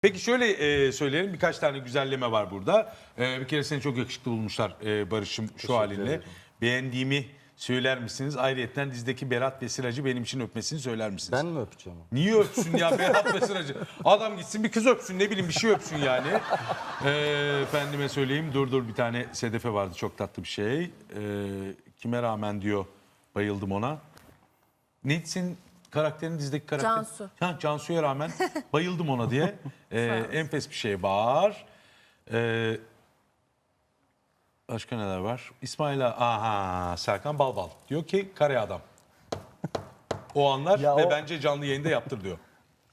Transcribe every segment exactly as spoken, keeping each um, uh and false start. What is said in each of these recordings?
Peki şöyle e, söyleyelim, birkaç tane güzelleme var burada. E, bir kere seni çok yakışıklı bulmuşlar e, Barış'ım şu halinle. ederim. Beğendiğimi söyler misiniz? Ayrıyeten dizdeki Berat ve Sıracı benim için öpmesini söyler misiniz? Ben mi öpeceğim? Niye öpsün ya Berat ve Sıracı? Adam gitsin bir kız öpsün, ne bileyim bir şey öpsün yani. E, efendime söyleyeyim, dur dur bir tane Sedefe vardı, çok tatlı bir şey. E, kime rağmen diyor, bayıldım ona. Neysin karakterin, dizdeki karakter? Cansu. Ha, Cansu'ya rağmen bayıldım ona diye. Ee, enfes bir şey var. Ee, başka neler var? İsmail aha Serkan Balbal diyor ki kare adam. O anlar Ya ve o- bence canlı yayında yaptır diyor.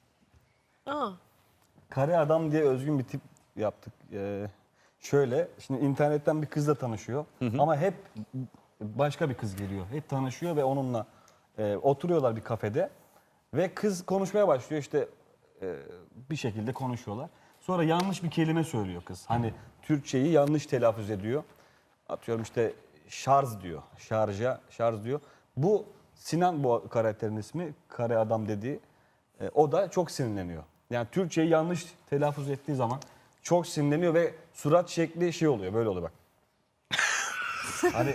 Aa, Kare adam diye özgün bir tip yaptık. Ee, şöyle, şimdi internetten bir kızla tanışıyor ama hep başka bir kız geliyor. Hep tanışıyor ve onunla e, oturuyorlar bir kafede ve kız konuşmaya başlıyor, işte e, bir şekilde konuşuyorlar. Sonra yanlış bir kelime söylüyor kız. Hani Türkçeyi yanlış telaffuz ediyor. Atıyorum işte şarj diyor, şarja, şarj diyor. Bu Sinan, bu karakterin ismi, kare adam dediği. E, o da çok sinirleniyor. Yani Türkçeyi yanlış telaffuz ettiği zaman çok sinirleniyor ve surat şekli şey oluyor, böyle oluyor bak. Hani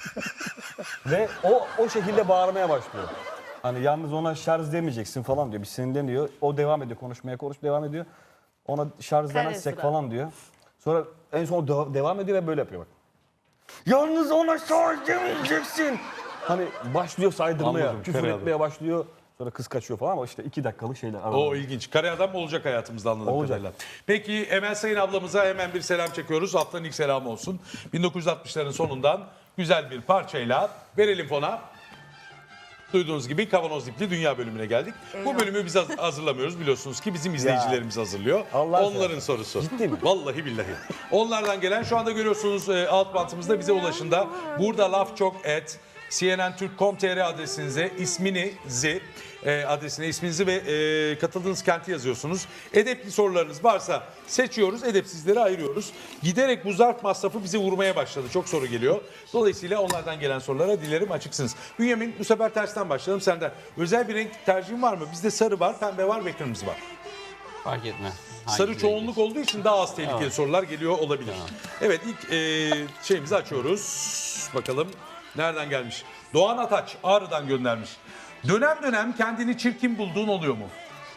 ve o o şekilde bağırmaya başlıyor. Hani yalnız ona şarj demeyeceksin falan diyor. Bir sinirleniyor. O devam ediyor, konuşmaya konuş devam ediyor. Ona şarj Kare demezsek surat. falan diyor. Sonra en son de- devam ediyor ve böyle yapıyor bak. Yalnız ona şarj demeyeceksin. Hani başlıyor saydırmaya, Anladım, küfür kare etmeye başlıyor. Sonra kız kaçıyor falan ama işte iki dakikalık şeyler. O ilginç. Kare adam olacak hayatımızda anladığım Olacak. kadarıyla. Peki Emel Sayın ablamıza hemen bir selam çekiyoruz. Haftanın ilk selamı olsun. bin dokuz yüz altmışların sonundan güzel bir parçayla verelim fona. Duyduğunuz gibi Kavanoz Dipli Dünya bölümüne geldik. Bu bölümü biz haz- hazırlamıyoruz, biliyorsunuz ki bizim izleyicilerimiz hazırlıyor. Allah Onların seversen. sorusu. Ciddi mi? Vallahi billahi. Onlardan gelen, şu anda görüyorsunuz e, alt bantımızda, bize ulaşında. Burada laf çok et. C N N Türk nokta com nokta tr adresinize isminizi, e, adresine isminizi ve e, katıldığınız kenti yazıyorsunuz. Edepli sorularınız varsa seçiyoruz, edepsizleri ayırıyoruz. Giderek bu zarf masrafı bizi vurmaya başladı. Çok soru geliyor. Dolayısıyla onlardan gelen sorulara dilerim açıksınız. Bünyamin, bu sefer tersten başlayalım senden. Özel bir renk tercihin var mı? Bizde sarı var, pembe var ve kırmızı var. Fark etmez. Hangi Sarı rengi? çoğunluk olduğu için daha az tehlikeli sorular geliyor olabilir. Evet, ilk e, şeyimizi açıyoruz. Bakalım nereden gelmiş? Doğan Ataç Ağrı'dan göndermiş. Dönem dönem kendini çirkin bulduğun oluyor mu?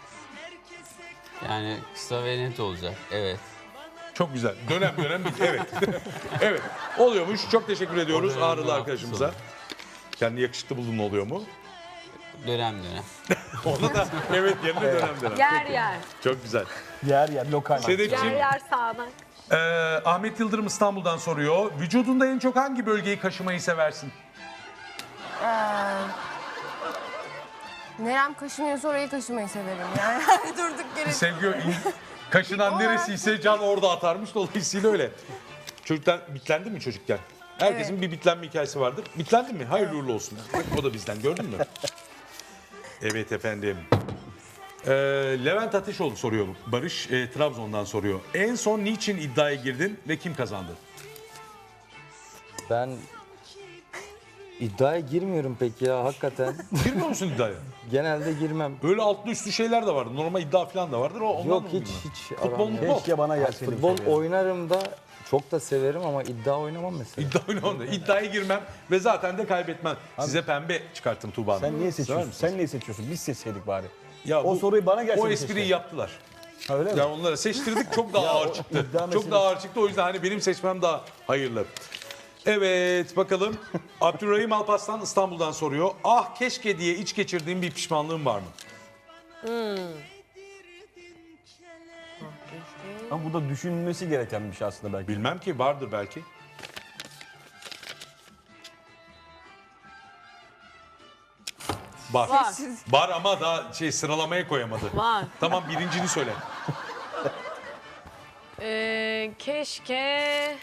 Yani kısa ve net olacak. Evet. Çok güzel. Dönem dönem bir evet. Evet. Oluyormuş. Çok teşekkür ediyoruz O dönem Ağrılı ne arkadaşımıza. yaptı Kendi yakışıklı bulduğun oluyor mu? Dönem dönem. Ona da evet, yerine dönem dönem. yer yer. Çok güzel. Yer yer lokal. Yer Sedefciğim, yer sağanak. e, Ahmet Yıldırım İstanbul'dan soruyor. Vücudunda en çok hangi bölgeyi kaşımayı seversin? Nerem kaşınıyorsa orayı kaşımayı severim yani. Durduk yere. Sevgi kaşınan neresiyse can orada atarmış, dolayısıyla öyle. Çocuklar bitlendi mi çocukken? Herkesin Evet. bir bitlenme hikayesi vardır. Bitlendi mi? Hayırlı uğurlu olsun. Bak, o da bizden, gördün mü? Evet efendim. Ee, Levent Ateşoğlu soruyor. Barış e, Trabzon'dan soruyor. En son niçin iddiaya girdin ve kim kazandı? Ben iddiaya girmiyorum pek ya hakikaten. Girmiyor musun iddiaya? Genelde girmem. Öyle altlı üstü şeyler de vardır. Normal iddia falan da vardır. O, ondan Yok mı hiç bilmiyorum? hiç Futbol aram mu? yok. Keşke bana gelseydi. bu Futbol soru ya. oynarım da çok da severim ama iddia oynamam mesela. İddia oynamam da. İddiaya girmem ve zaten de kaybetmem. Size pembe çıkarttım Tuğba Hanım. Sen niye Sever seçiyorsun? misiniz? Sen niye seçiyorsun? Biz seçseydik bari. Ya O bu- soruyu bana gelseydi O espriyi keşke. yaptılar. Ha, öyle mi? Yani onlara seçtirdik, çok daha ağır o çıktı. iddia Çok meselesi- daha ağır çıktı, o yüzden hani benim seçmem daha hayırlı. Evet, bakalım. Abdurrahim Alpaslan İstanbul'dan soruyor. Ah keşke diye iç geçirdiğim bir pişmanlığım var mı? Ama bu da düşünülmesi gereken bir şey aslında belki. Bilmem ki, vardır belki. Var. Var. Var ama daha şey sıralamaya koyamadı. Var. Tamam, birincini söyle. Ee, keşke...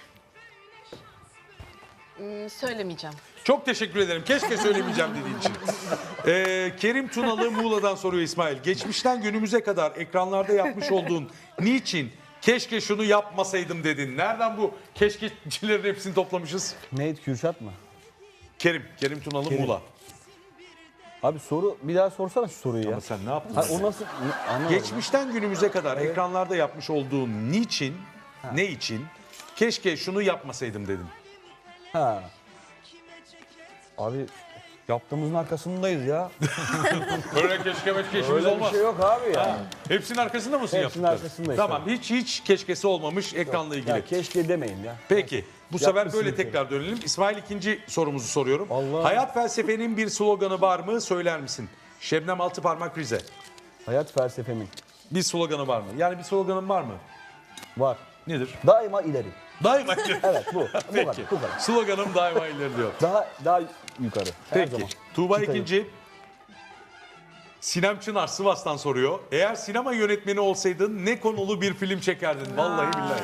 Hmm, söylemeyeceğim. Çok teşekkür ederim. Keşke söylemeyeceğim dediğin için. Ee, Kerim Tunalı Muğla'dan soruyor İsmail. Geçmişten günümüze kadar ekranlarda yapmış olduğun niçin keşke şunu yapmasaydım dedin? Nereden bu keşkecilerin hepsini toplamışız? Neydi, Kürşat mı? Kerim, Kerim Tunalı Kerim. Muğla. Abi soru bir daha sorsana şu soruyu ya. Ama sen ne yaptın? Ha, o nasıl anlamadım. Geçmişten günümüze kadar ekranlarda yapmış olduğun niçin, ne için, keşke şunu yapmasaydım dedim. Ha. Abi yaptığımızın arkasındayız ya. Öyle keşke meşke işimiz Öyle bir olmaz. şey yok abi ya. Hepsinin arkasında mısın Hepsinin yaptıkları? arkasındayız Tamam, tabii. hiç hiç keşkesi olmamış ekranla ilgili. Ya keşke demeyin ya. Peki, bu sefer Yapmışsın böyle bir kere. tekrar dönelim. İsmail ikinci sorumuzu soruyorum. Allah. Hayat felsefenin bir sloganı var mı? Söyler misin? Şebnem Altıparmak Rize. Hayat felsefemin Bir sloganı var mı? Yani bir sloganın var mı? var. Nedir? Daima ileri. Daima Evet bu. Bu Peki. kadar. Bu kadar. Sloganım daima ileri diyor. Daha daha yukarı. Her Peki. zaman. Tuğba Çıtayı. ikinci. Sinem Çınar Sivas'tan soruyor. Eğer sinema yönetmeni olsaydın ne konulu bir film çekerdin? Vallahi billahi.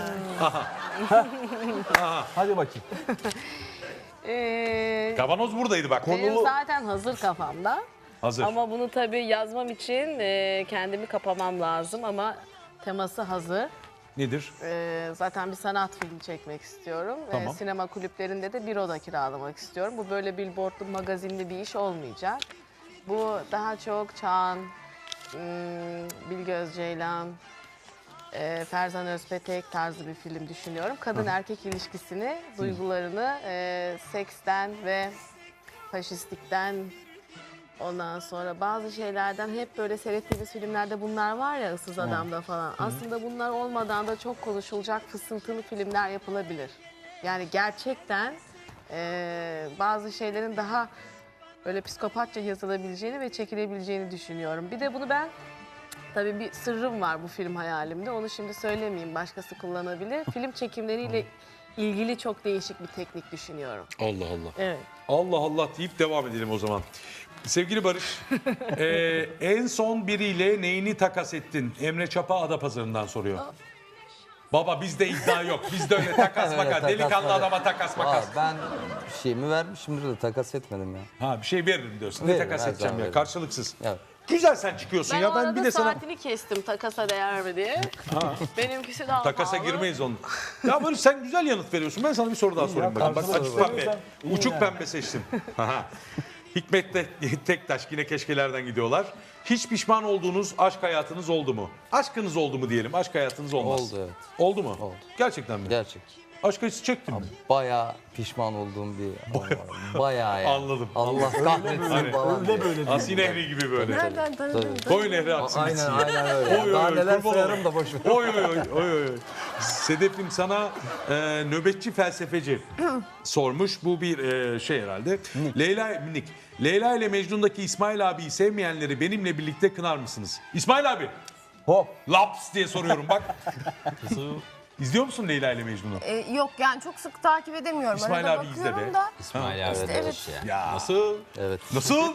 Hadi bakayım. Ee, Kavanoz buradaydı bak. benim zaten hazır kafamda. Hazır. Ama bunu tabii yazmam için e, kendimi kapamam lazım ama teması hazır. Nedir? E, zaten bir sanat filmi çekmek istiyorum. E, Tamam. sinema kulüplerinde de bir oda kiralamak istiyorum. Bu böyle billboardlu, magazinli bir iş olmayacak. Bu daha çok Çağan, hmm, Bilge Özceylan, e, Ferzan Özpetek tarzı bir film düşünüyorum. Kadın-erkek ilişkisini, duygularını e, seksten ve faşistlikten, ondan sonra bazı şeylerden hep böyle seyrettiğimiz filmlerde bunlar var ya, Issız Adam'da falan. Aslında bunlar olmadan da çok konuşulacak fısıltılı filmler yapılabilir. Yani gerçekten e, bazı şeylerin daha böyle psikopatça yazılabileceğini ve çekilebileceğini düşünüyorum. Bir de bunu ben, tabii bir sırrım var bu film hayalimde. Onu şimdi söylemeyeyim, başkası kullanabilir. Film çekimleriyle ilgili çok değişik bir teknik düşünüyorum. Allah Allah. Evet. Allah Allah deyip devam edelim o zaman. Sevgili Barış, eee, en son biriyle neyini takas ettin? Emre Çapa Adapazarı'ndan soruyor. Baba bizde iddia yok. Bizde öyle takas Öyle makas. takas Delikanlı makas. adama takas makas. Aa, ben bir şeyimi vermişimdir de takas etmedim ya. Ha bir şey veririm diyorsun. Ne Veririm, takas her edeceğim zaman ya? veririm. Karşılıksız. Evet. Güzel sen çıkıyorsun Ben ya. o Ben arada bir de sana saatini kestim takasa değer mi diye. Benimkisi daha takasa pahalı. girmeyiz onun. Ya Barış sen güzel yanıt veriyorsun. Ben sana bir soru daha sorayım bakalım. Bak karşılıklı açık pembe. veriyorsan iyi Uçuk yani. pembe seçtim. Aha. Hikmet de Tektaş yine keşkelerden gidiyorlar. Hiç pişman olduğunuz aşk hayatınız oldu mu? Aşkınız oldu mu diyelim. Aşk hayatınız olmaz. Oldu, evet. Oldu mu? Oldu. Gerçekten mi? Gerçek. Aşk acısı çektin mi? Bayağı pişman olduğum bir an var. Bayağı yani. Anladım, Allah kahretsin Hani- falan Öyle diye. böyle. Asi Nehri gibi böyle. Nereden tanıdın? Koy nehri aksın Aynen gitsin. aynen öyle. Oy, oy, Daha oy, neler kurban sayarım olayım. da boş ver. Oy oy oy oy oy. Sedef'im sana e, nöbetçi felsefeci sormuş. Bu bir e, şey herhalde. Leyla minik. Leyla ile Mecnun'daki İsmail abiyi sevmeyenleri benimle birlikte kınar mısınız? İsmail abi. Hop. Laps diye soruyorum bak. İzliyor musun Leyla ile Mecnun'u? Ee, yok yani çok sık takip edemiyorum. İsmail Arada abi izle bakıyorum be. da. İsmail abi İşte de evet. hoş ya. Ya. Nasıl? Evet. Nasıl?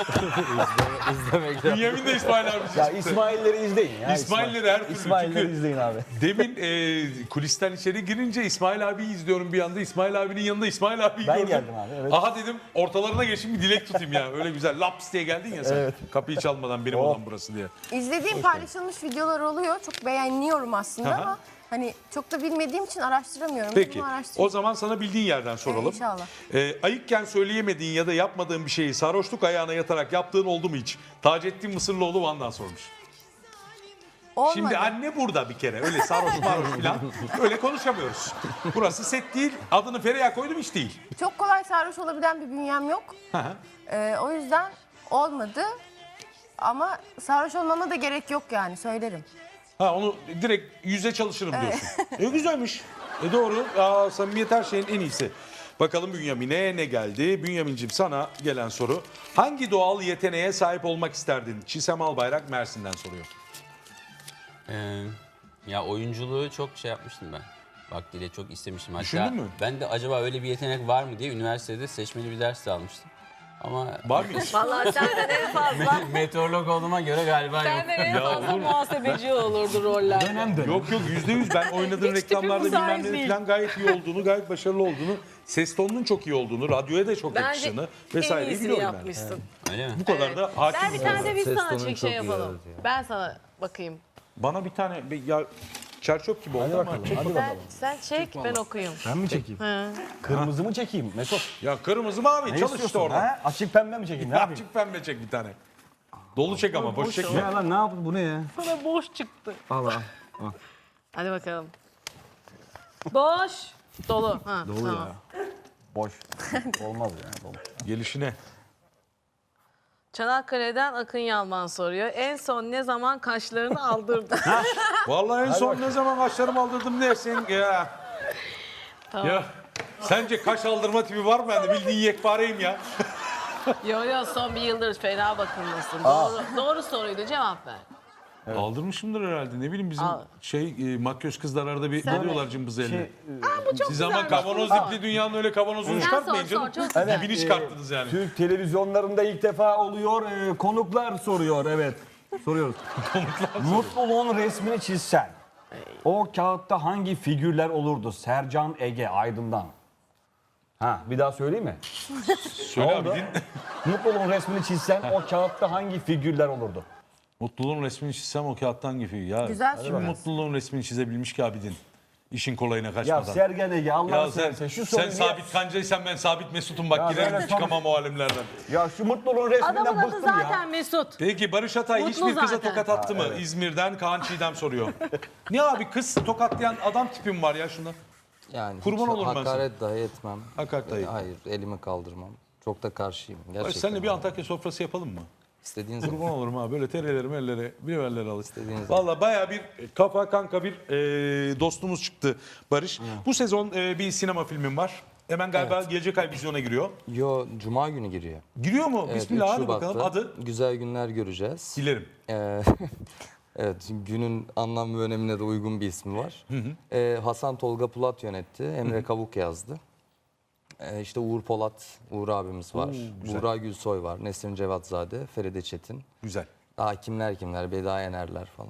İzlemek lazım. Bünyamin de İsmail abi. Ya İsmail'leri izleyin ya. İsmail'leri her türlü. İsmail'leri Çünkü izleyin abi. demin e, kulisten içeri girince İsmail abiyi izliyorum bir anda. İsmail abinin yanında İsmail abiyi Ben gördüm. geldim abi, evet. Aha dedim ortalarına geçeyim bir dilek tutayım ya. Öyle güzel laps diye geldin ya sen. Evet. Kapıyı çalmadan benim Oh. odam burası diye. İzlediğim paylaşılmış videolar oluyor. Çok beğeniyorum aslında Aha. ama hani çok da bilmediğim için araştıramıyorum. Peki Bunu araştırayım. o zaman sana bildiğin yerden soralım. Ee, inşallah. E, ayıkken söyleyemediğin ya da yapmadığın bir şeyi sarhoşluk ayağına yatarak yaptığın oldu mu hiç? Taceddin Mısırlıoğlu Van'dan sormuş. Olmadı. Şimdi anne burada bir kere. Öyle sarhoş marhoş falan. Öyle konuşamıyoruz. Burası set değil. Adını Feriha koydum hiç değil. Çok kolay sarhoş olabilen bir bünyem yok. Hı hı. Ee, o yüzden olmadı. Ama sarhoş olmama da gerek yok yani söylerim. Ha onu direkt yüze çalışırım diyorsun. E güzelmiş. E doğru. Aa, samimiyet her şeyin en iyisi. Bakalım Bünyamin'e ne geldi? Bünyamin'cim sana gelen soru. Hangi doğal yeteneğe sahip olmak isterdin? Çisem Albayrak Mersin'den soruyor. Ee, ya oyunculuğu çok şey yapmıştım ben. Vaktiyle çok istemiştim. Hatta Düşündün mü? ben de acaba öyle bir yetenek var mı diye üniversitede seçmeli bir ders de almıştım. Ama Var mıymış? Vallahi senden en fazla, meteorolog olduğuma göre galiba yok. senden en Ya fazla olur mu? muhasebeci olurdu roller. Dönem dönem. Yok yok yüzde yüz ben oynadığın Hiç reklamlarda tipim bilmem müsait ne değil. falan gayet iyi olduğunu, gayet başarılı olduğunu, ses tonunun çok iyi olduğunu, radyoya da çok Bence yakıştığını en vesaireyi iyisini biliyorum ben. yapmışsın. Öyle mi? Bu kadar da hakim. Ben bir tane de biz Ses sana tonun çek çok şey iyi, yapalım. evet ya. Ben sana bakayım. Bana bir tane bir- ya Çerçöp gibi oldu Hadi ama. bakalım. Çek Hadi bakalım. Sen, sen çek ben okuyayım. Ben mi çekeyim? Kırmızı mı çekeyim Mesut? Ya kırmızı mavi Ne çalış işte istiyorsun? orada. Ha? Açık pembe mi çekeyim? Ne yapayım? Açık pembe çek bir tane. Dolu çek ama boş Ne çekme. lan ne yapayım bu ne ya? Sana boş çıktı. Al al. Hadi bakalım. Boş. Dolu. Ha, Dolu tamam. ya. Boş. Olmaz ya. Dolu. Gelişine. Çanakkale'den Akın Yalman soruyor. En son ne zaman kaşlarını aldırdın? Vallahi en son ne zaman kaşlarımı aldırdım dersin ya. Ya sence kaş aldırma tipi var mı bende? Bildiğin yekpareyim ya. Yo yo son bir yıldır fena bakımlısın. Doğru, doğru soruydu cevap ver. Aldırmışımdır herhalde. Ne bileyim bizim Al. şey e, makyöz kızlar arada bir Sen alıyorlar cımbızı eline. Şey, Siz ama kavanoz ipli dünyanın öyle kavanozunu Sen çıkartmayın sor, canım. sor, çok Evet, Dibini e, çıkarttınız yani. Türk televizyonlarında ilk defa oluyor. E, konuklar soruyor. Evet. Soruyoruz. Mutluluğun resmini çizsen. O kağıtta hangi figürler olurdu? Sercan Ege Aydın'dan. Ha, bir daha söyleyeyim mi? Söyle abi oldu? din. Mutluluğun resmini çizsen o kağıtta hangi figürler olurdu? Mutluluğun resmini çizsem o kağıttan gibi. Ya Güzel kim soru. mutluluğun resmini çizebilmiş ki abidin? İşin kolayına Ya kaçmadan. Sergen Ege Allah'ını Ya sen, seversen şu sen soruyu... sabit kancaysan ben sabit Mesut'um bak Ya girerim böyle çıkamam o alemlerden. Ya şu mutluluğun resminden Adamın adı bıktım zaten ya. Mesut. Peki Barış Atay Mutlu hiçbir kıza zaten. tokat attı mı? İzmir'den Kaan Çiğdem soruyor. Niye abi kız tokatlayan adam tipim var ya şunda? Yani Kurban hiç olurum ben sana. hakaret dahi etmem. Hakaret dahi. Hayır, elimi kaldırmam. Çok da karşıyım. Barış Gerçekten. seninle bir Antakya sofrası yapalım mı? İstediğin Kurban zaman. olurum ha böyle terelerimi ellere biberleri al. İstediğiniz zaman. Valla baya bir kafa kanka bir e, dostumuz çıktı Barış. Bu sezon e, bir sinema filmim var. Hemen galiba gelecek ay vizyona giriyor. Yo, Cuma günü giriyor. Giriyor mu? Evet, Bismillah üç hadi Şubat'ta bakalım adı. Güzel günler göreceğiz. Dilerim. Ee, evet, günün anlam ve önemine de uygun bir ismi var. Ee, Hasan Tolga Pulat yönetti. Emre Kavuk yazdı. Ee, işte Uğur Polat, Uğur abimiz var. güzel. Buğra Gülsoy var. Nesrin Cevatzade, Feride Çetin. Güzel. Daha kimler kimler, Beda Yenerler falan.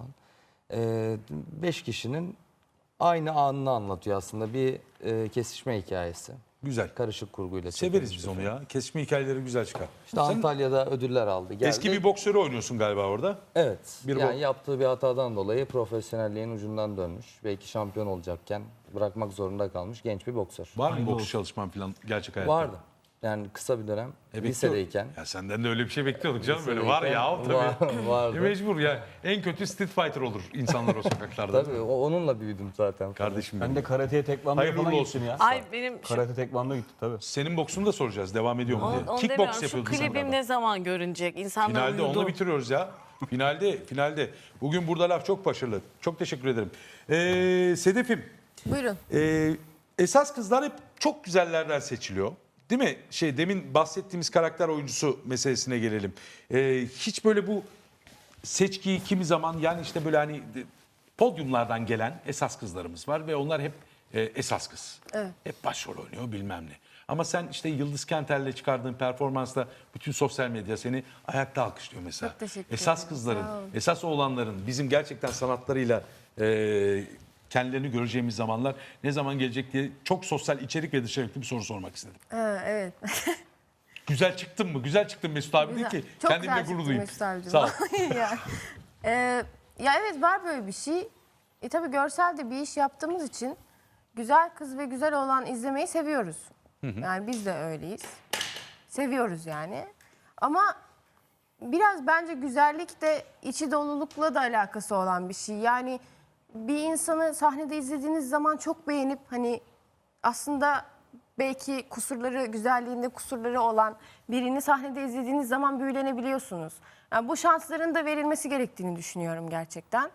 Ee, beş kişinin aynı anını anlatıyor aslında. Bir e, kesişme hikayesi. Güzel. Karışık kurguyla Severiz çekilmiş biz bir onu film. ya. Kesme hikayeleri güzel çıkar. İşte Antalya'da ödüller aldı. Geldi. Eski bir boksörü oynuyorsun galiba orada. Evet. bir yani bo- yaptığı bir hatadan dolayı profesyonelliğin ucundan dönmüş. Belki şampiyon olacakken bırakmak zorunda kalmış genç bir boksör. Var mı boks çalışman falan gerçek hayatta? Vardı. Yani kısa bir dönem E, lisedeyken. Ya senden de öyle bir şey bekliyorduk canım böyle var ya tabii. Var- vardı. E, mecbur ya. En kötü Street Fighter olur insanlar o sokaklarda. Tabii o- onunla büyüdüm zaten. Kardeşim Ben benim. de karateye tekvandoya Hayırlı falan uğurlu gittim ya. Ay benim şu, Karate tekvando gitti tabii. Senin boksunu da soracağız. Devam ediyor mu onu, diye. onu Kickbox demiyorum. Şu yapıyordun sen klibim galiba. ne zaman görünecek? İnsanlar Finalde uyudu. onu bitiriyoruz ya. Finalde, finalde. Bugün burada laf çok başarılı. Çok teşekkür ederim. Ee, Sedef'im, Buyurun. e, esas kızlar hep çok güzellerden seçiliyor. Değil mi? Şey demin bahsettiğimiz karakter oyuncusu meselesine gelelim. Ee, hiç böyle bu seçkiyi kimi zaman yani işte böyle hani de- podyumlardan gelen esas kızlarımız var ve onlar hep e, esas kız. Evet. Hep başrol oynuyor bilmem ne. Ama sen işte Yıldız Kenter'le çıkardığın performansla bütün sosyal medya seni ayakta alkışlıyor mesela. Çok teşekkür Esas ederim. kızların, Sağ olun. esas oğlanların bizim gerçekten sanatlarıyla e, kendilerini göreceğimiz zamanlar ne zaman gelecek diye çok sosyal içerik ve dışarıklı bir soru sormak istedim. Ha, evet. Güzel çıktın mı? Güzel çıktın Mesut abi Güzel. değil ki. Çok Kendimle güzel gurur çıktı duyayım. Mesut abicim. Sağ ol. yani, Ee, ya evet var böyle bir şey. E tabii görsel de bir iş yaptığımız için güzel kız ve güzel olan izlemeyi seviyoruz. Yani biz de öyleyiz. Seviyoruz yani. Ama biraz bence güzellik de içi dolulukla da alakası olan bir şey. Yani bir insanı sahnede izlediğiniz zaman çok beğenip hani aslında belki kusurları, güzelliğinde kusurları olan birini sahnede izlediğiniz zaman büyülenebiliyorsunuz. Yani bu şansların da verilmesi gerektiğini düşünüyorum gerçekten.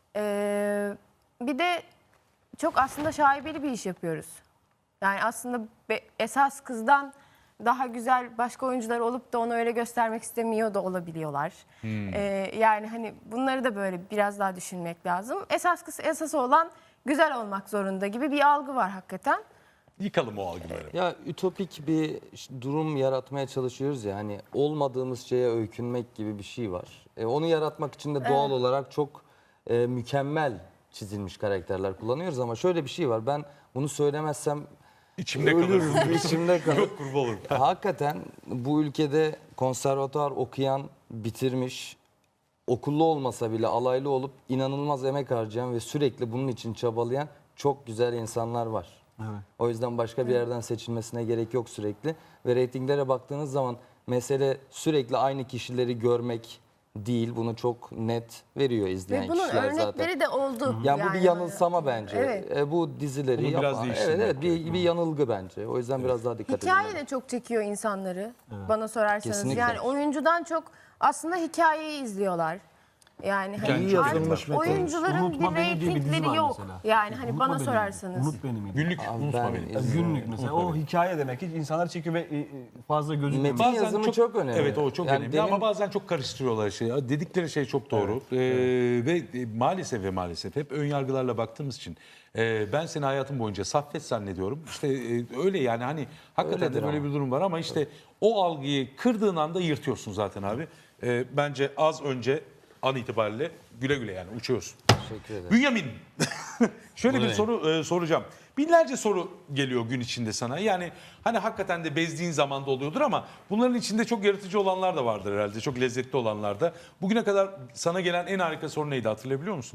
Ee, bir de çok aslında şaibeli bir iş yapıyoruz. Yani aslında be- esas kızdan daha güzel başka oyuncular olup da onu öyle göstermek istemiyor da olabiliyorlar. Ee, yani hani bunları da böyle biraz daha düşünmek lazım. Esas kız esas olan güzel olmak zorunda gibi bir algı var hakikaten. Yıkalım o algıları. Ya ütopik bir ş- durum yaratmaya çalışıyoruz ya hani olmadığımız şeye öykünmek gibi bir şey var. E, onu yaratmak için de doğal olarak çok e, mükemmel çizilmiş karakterler kullanıyoruz ama şöyle bir şey var. Ben bunu söylemezsem İçimde ölürüm, kalır. içimde kalır. Yok kurban olurum. Hakikaten bu ülkede konservatuvar okuyan, bitirmiş, okullu olmasa bile alaylı olup inanılmaz emek harcayan ve sürekli bunun için çabalayan çok güzel insanlar var. Evet. O yüzden başka bir yerden seçilmesine gerek yok sürekli. Ve reytinglere baktığınız zaman mesele sürekli aynı kişileri görmek değil. Bunu çok net veriyor izleyen Ve bunun kişiler örnekleri zaten. de oldu. Yani bu bir yanılsama bence. Evet. E, bu dizileri Bunu biraz yapan, değiştirmek evet, evet bir, bir yanılgı bence. O yüzden biraz daha dikkat Hikaye edin. de çok çekiyor insanları bana sorarsanız. Kesinlikle. Yani oyuncudan çok aslında hikayeyi izliyorlar. Yani hani İyi artık yazılmış Metin. oyuncuların Unutma bir Beni diye bir dizi reytingleri var yok. mesela. Yani hani Unutma bana Beni. sorarsanız. Unut beni mi? Günlük Abi unutma ben beni. izliyorum. Günlük mesela. O hikaye demek ki insanlar çekiyor ve e, e, fazla gözükmüyor. Metin yazımı çok önemli. Evet o çok Yani önemli demin- ama bazen çok karıştırıyorlar şeyi. Dedikleri şey çok doğru. Ee, Ve e, maalesef ve maalesef hep ön yargılarla baktığımız için e, ben seni hayatım boyunca Saffet zannediyorum. İşte e, öyle yani hani hakikaten Öyledir de böyle ama. bir durum var ama işte o algıyı kırdığın anda yırtıyorsun zaten abi. E, bence az önce an itibariyle güle güle yani uçuyorsun. Teşekkür ederim. Bünyamin, şöyle bir Buyurun. soru e, soracağım. Binlerce soru geliyor gün içinde sana. Yani hani hakikaten de bezdiğin zaman da oluyordur ama bunların içinde çok yaratıcı olanlar da vardır herhalde. Çok lezzetli olanlar da. Bugüne kadar sana gelen en harika soru neydi hatırlayabiliyor musun?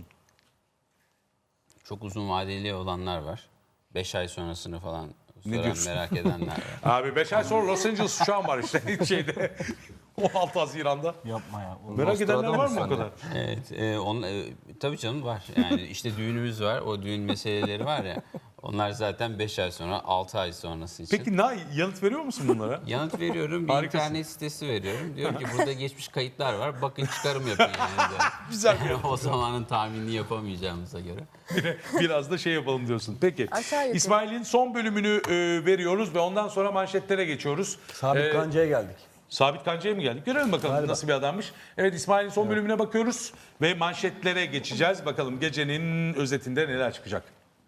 Çok uzun vadeli olanlar var. beş ay sonrasını falan soran, diyorsun? merak edenler var. Abi beş ay sonra Los Angeles şu an var işte şeyde. on altı Haziran'da. Yapma ya. O- Merak edenler var mı o Nostradamus kadar? Evet, e, on, e, tabii canım var. Yani işte düğünümüz var, o düğün meseleleri var ya. Onlar zaten beş ay sonra, altı ay sonrası için. Peki Nay yanıt veriyor musun bunlara? Yanıt veriyorum, bir Harikasın. internet sitesi veriyorum. Diyor ki burada geçmiş kayıtlar var, bakın çıkarım yapın yani. diyor. Güzel bir yanıt. O zamanın tahminini yapamayacağımıza göre. Biraz da şey yapalım diyorsun. Peki. Aşağı yukarı. İsmail'in son bölümünü e, veriyoruz ve ondan sonra manşetlere geçiyoruz. Sabit Ee, Kanca'ya geldik. Sabit Kanca'ya mı geldik? Görelim bakalım Galiba. nasıl bir adammış. Evet İsmail'in son bölümüne bakıyoruz ve manşetlere geçeceğiz. Bakalım gecenin özetinde neler çıkacak.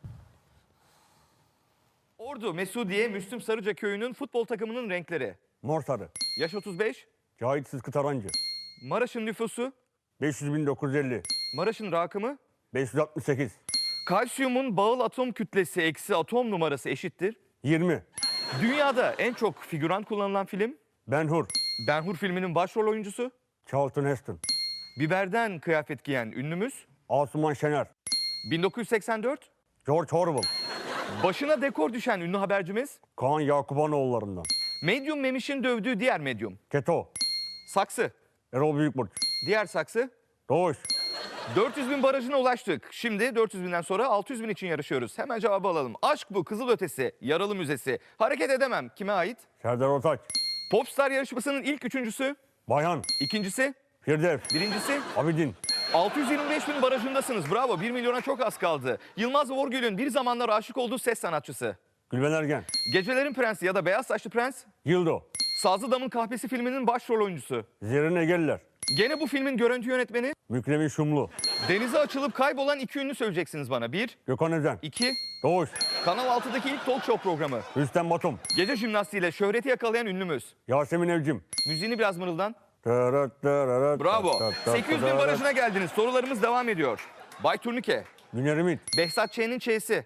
Ordu, Mesudiye, Müslüm Sarıca köyünün futbol takımının renkleri. Mor sarı. Yaş otuz beş, Cahit Sıtkı Tarancı. Maraş'ın nüfusu, beş yüz bin dokuz yüz elli. Maraş'ın rakımı, beş yüz altmış sekiz. kalsiyumun bağıl atom kütlesi eksi atom numarası eşittir. yirmi. Dünyada en çok figüran kullanılan film, Ben Hur. Ben Hur filminin başrol oyuncusu, Charlton Heston. biberden kıyafet giyen ünlümüz, Asuman Şener. bin dokuz yüz seksen dört, George Orwell. başına dekor düşen ünlü habercimiz, Kaan Yakubanoğullarından. medyum Memiş'in dövdüğü diğer medyum, Keto. saksı, Erol Büyükburç. diğer saksı, Doğuş. dört yüz bin barajına ulaştık. Şimdi dört yüz binden sonra altı yüz bin için yarışıyoruz. Hemen cevabı alalım. Aşk bu, Kızılötesi, Yaralı Müzesi. Hareket edemem. Kime ait? Serdar Ortaç. Popstar yarışmasının ilk üçüncüsü, Bayhan. ikincisi, Firdevs. birincisi. Abidin. altı yüz yirmi beş bin barajındasınız. Bravo. bir milyona çok az kaldı. Yılmaz Vorgül'ün bir zamanlar aşık olduğu ses sanatçısı. Gülben Ergen. Gecelerin Prensi ya da Beyaz Saçlı Prens. Yıldo. Sazlı Dam'ın Kahvesi filminin başrol oyuncusu. Zerrin Egeliler. Gene bu filmin görüntü yönetmeni. Mükremin Şumlu. Denize açılıp kaybolan iki ünlü söyleyeceksiniz bana. Bir, Gökhan Özen. iki. Doğuş. Kanal altıdaki ilk talk show programı. Rüstem Batum. Gece jimnastiğiyle şöhreti yakalayan ünlümüz. Yasemin Evcim. Müziğini biraz mırıldan. Tırıt tırıt Bravo. tırıt tırıt sekiz yüz bin tırıt. barajına geldiniz. Sorularımız devam ediyor. Bay Turnike, Güner Ümit. Behzat Ç'nin Ç'si.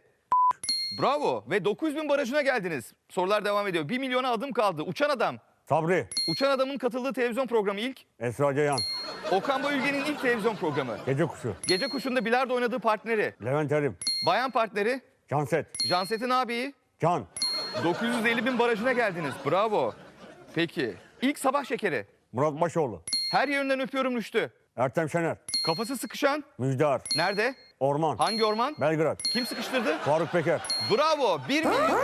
Bravo. Ve dokuz yüz bin barajına geldiniz. Sorular devam ediyor. bir milyona adım kaldı. Uçan Adam. Sabri. Uçan Adam'ın katıldığı televizyon programı ilk. Esra Ceyhan. Okan Bayülgen'in ilk televizyon programı. Gece Kuşu. Gece Kuşu'nda bilardo oynadığı partneri. Levent Erim. Bayan partneri. Canset. Janset'in abiyi. Can. dokuz yüz elli bin barajına geldiniz. Bravo. Peki. İlk sabah şekeri. Murat Başoğlu. Her yerinden öpüyorum Rüştü. Ertem Şener. Kafası sıkışan. Müjdar. Nerede? Orman. Hangi orman? Belgrad. Kim sıkıştırdı? Faruk Peker. Bravo. Bir milyon.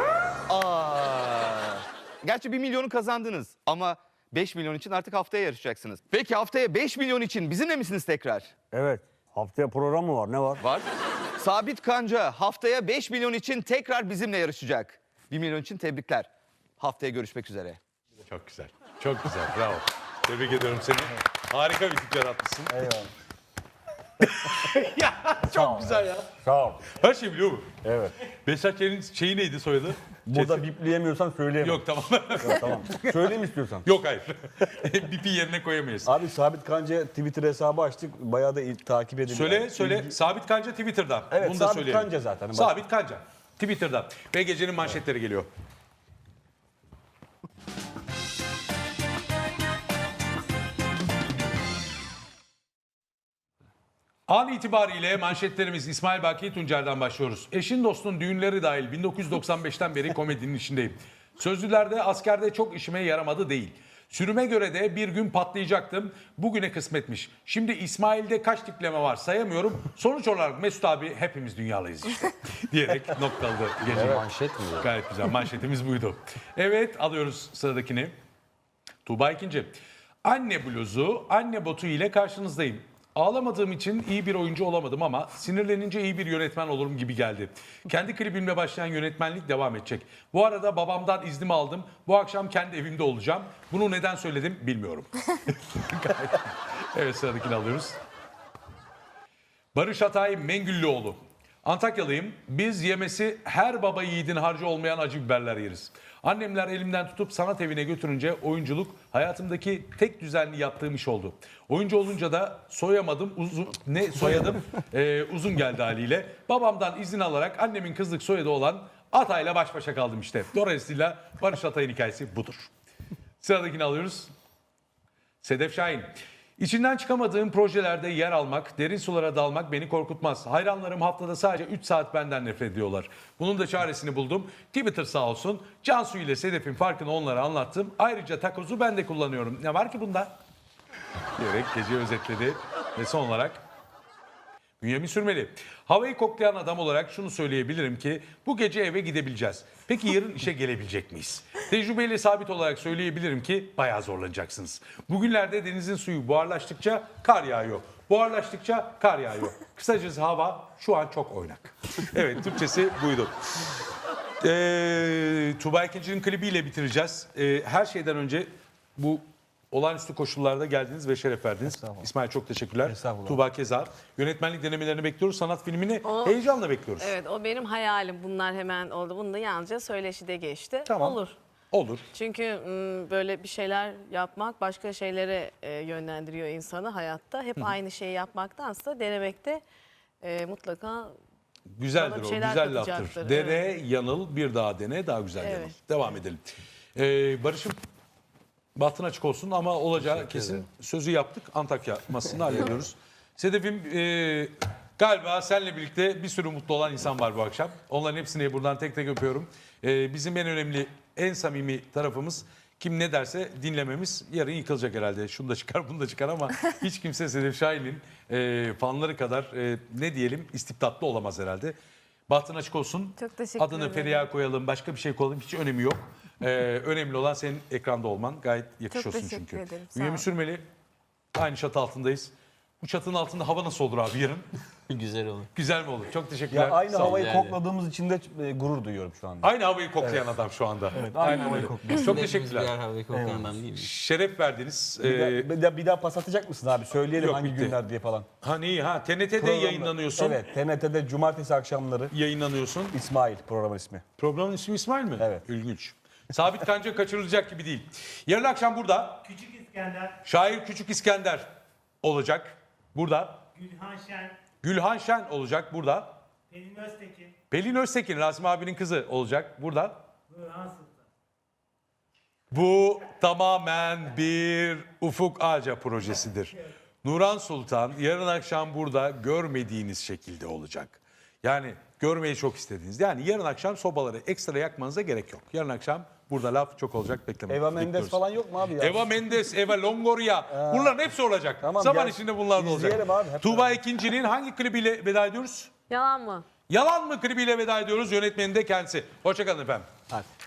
Aa. Gerçi bir milyonu kazandınız ama beş milyon için artık haftaya yarışacaksınız. Peki haftaya beş milyon için bizimle misiniz tekrar? Evet. Haftaya program mı var? Ne var? Var. Sabit Kanca haftaya beş milyon için tekrar bizimle yarışacak. bir milyon için tebrikler. Haftaya görüşmek üzere. Çok güzel. Çok güzel. Bravo. Tebrik ediyorum seni. Harika bir tip yaratmışsın. Eyvallah. ya çok güzel ya. Sağ ol. Her şey biliyor mu? Evet. Behzat Ç'nin şeyi neydi soyadı? Burada Ç'si. bipleyemiyorsan söyleyemem. Yok tamam. Yok, tamam. Söyleyeyim istiyorsan. Yok hayır. Bipi yerine koyamayız. Abi Sabit Kanca Twitter hesabı açtık. Bayağı da il- takip ediliyor. Söyle Yani söyle. ilgi- Sabit Kanca Twitter'dan. Evet, Bunu da Sabit söyleyelim. Kanca zaten. Sabit Kanca. Twitter'dan. Ve gecenin manşetleri geliyor. An itibariyle manşetlerimiz İsmail Baki Tuncer'den başlıyoruz. Eşin dostun düğünleri dahil bin dokuz yüz doksan beşten beri komedinin içindeyim. Sözlülerde askerde çok işime yaramadı değil. Sürüme göre de bir gün patlayacaktım. Bugüne kısmetmiş. Şimdi İsmail'de kaç tipleme var sayamıyorum. Sonuç olarak Mesut abi hepimiz dünyalıyız işte. Diyerek noktaladı gece. Manşet mi bu? Gayet güzel. Manşetimiz buydu. Evet, alıyoruz sıradakini. Tuğba ikinci. Anne bluzu, anne botu ile karşınızdayım. Ağlamadığım için iyi bir oyuncu olamadım ama sinirlenince iyi bir yönetmen olurum gibi geldi. Kendi klibimle başlayan yönetmenlik devam edecek. Bu arada babamdan iznimi aldım. Bu akşam kendi evimde olacağım. Bunu neden söyledim bilmiyorum. Evet, sıradakini alıyoruz. Barış Atay Mengüllüoğlu. Antakyalıyım. Biz yemesi her baba yiğidin harcı olmayan acı biberler yeriz. Annemler elimden tutup sanat evine götürünce oyunculuk hayatımdaki tek düzenli yaptığım iş oldu. Oyuncu olunca da soyamadım, uzun, ne soyadım Ee, uzun geldi haliyle. Babamdan izin alarak annemin kızlık soyadı olan Atay'la baş başa kaldım işte. Dolayısıyla Barış Atay'ın hikayesi budur. Sıradakini alıyoruz. Sedef Şahin. İçinden çıkamadığım projelerde yer almak, derin sulara dalmak beni korkutmaz. Hayranlarım haftada sadece üç saat benden nefret ediyorlar. Bunun da çaresini buldum. Twitter sağ olsun. Cansu ile Sedef'in farkını onlara anlattım. Ayrıca takozu ben de kullanıyorum. Ne var ki bunda? Diyerek gece özetledi. Ve son olarak Bünyamin Sürmeli. Havayı koklayan adam olarak şunu söyleyebilirim ki bu gece eve gidebileceğiz. Peki yarın işe gelebilecek miyiz? Tecrübeyle sabit olarak söyleyebilirim ki bayağı zorlanacaksınız. Bugünlerde denizin suyu buharlaştıkça kar yağıyor. Buharlaştıkça kar yağıyor. Kısacası hava şu an çok oynak. Evet, Türkçesi buydu. Ee, Tuğba İkinci'nin klibiyle bitireceğiz. Ee, her şeyden önce bu olağanüstü koşullarda geldiniz ve şeref verdiniz. İsmail çok teşekkürler. Estağfurullah. Tuğba keza. Yönetmenlik denemelerini bekliyoruz. Sanat filmini O- heyecanla bekliyoruz. Evet, o benim hayalim. Bunlar hemen oldu. Bunu da yalnızca söyleşide geçti. Tamam. Olur. Olur. Çünkü m, böyle bir şeyler yapmak başka şeylere e, yönlendiriyor insanı hayatta. Hep aynı şeyi yapmaktansa denemekte e, mutlaka Güzeldir Bana bir o. şeyler Güzel katacaktır, laftır. Dene, yanıl, bir daha dene, daha güzel Evet. yanıl. Devam edelim. Ee, Barış'ım bahtın açık olsun ama olacağı kesin. Sözü yaptık. Antakya masasını hallediyoruz. Sedef'im e, galiba seninle birlikte bir sürü mutlu olan insan var bu akşam. Onların hepsini buradan tek tek öpüyorum. E, bizim en önemli, en samimi tarafımız kim ne derse dinlememiz. Yarın yıkılacak herhalde. Şunu da çıkar, bunu da çıkar ama hiç kimse Sedef Şahin'in e, fanları kadar e, ne diyelim istibdatlı olamaz herhalde. Bahtın açık olsun. Çok teşekkür Adını ederim. Feriha koyalım, başka bir şey koyalım. Hiç önemi yok. Ee, önemli olan senin ekranda olman. Gayet yakışıyorsun teşekkür çünkü. ederim, sağ Bünyamin ol. Sürmeli, aynı çatı altındayız. Bu çatının altında hava nasıl olur abi yarın? Güzel olur. Güzel mi olur? Çok teşekkürler. Ya aynı Sağ olun. havayı yani. kokladığımız için de e, gurur duyuyorum şu anda. Aynı havayı koklayan adam şu anda. Evet, aynı Aynen havayı öyle. kokluyoruz. Çok Hepimiz teşekkürler. birer havayı koklayan adam değil mi? Şeref verdiniz. Bir, Ee, daha, bir, daha, bir daha pas atacak mısın abi? Söyleyelim Yok, hangi bitti. günler diye falan. ha neyi ha? T N T'de Programda- yayınlanıyorsun. Evet, T N T'de cumartesi akşamları Yayınlanıyorsun. İsmail programın ismi. Programın ismi İsmail mi? Evet. İlginç. Sabit Kanca kaçırılacak gibi değil. Yarın akşam burada Küçük İskender, şair Küçük İskender olacak. Burada. Gülhan Şen, Gülhan Şen olacak burada. Pelin Öztekin, Pelin Öztekin, Rasim abinin kızı olacak burada. Nurhan Sultan. Bu tamamen bir Ufuk Ağaca projesidir. Nurhan Sultan yarın akşam burada görmediğiniz şekilde olacak. Yani görmeyi çok istediğiniz. Yani yarın akşam sobaları ekstra yakmanıza gerek yok. Yarın akşam burada laf çok olacak, beklemeyin. Eva Mendes Bekliyoruz. falan yok mu abi ya? Eva Mendes, Eva Longoria. Bunların hepsi olacak. Tamam, Zaman gel. içinde bunlar da olacak. İzleyelim abi, hep Tuğba beraber. İkinci'nin hangi klibiyle veda ediyoruz? yalan mı? Yalan mı klibiyle veda ediyoruz. Yönetmeni de kendisi. Hoşçakalın efendim. Hadi.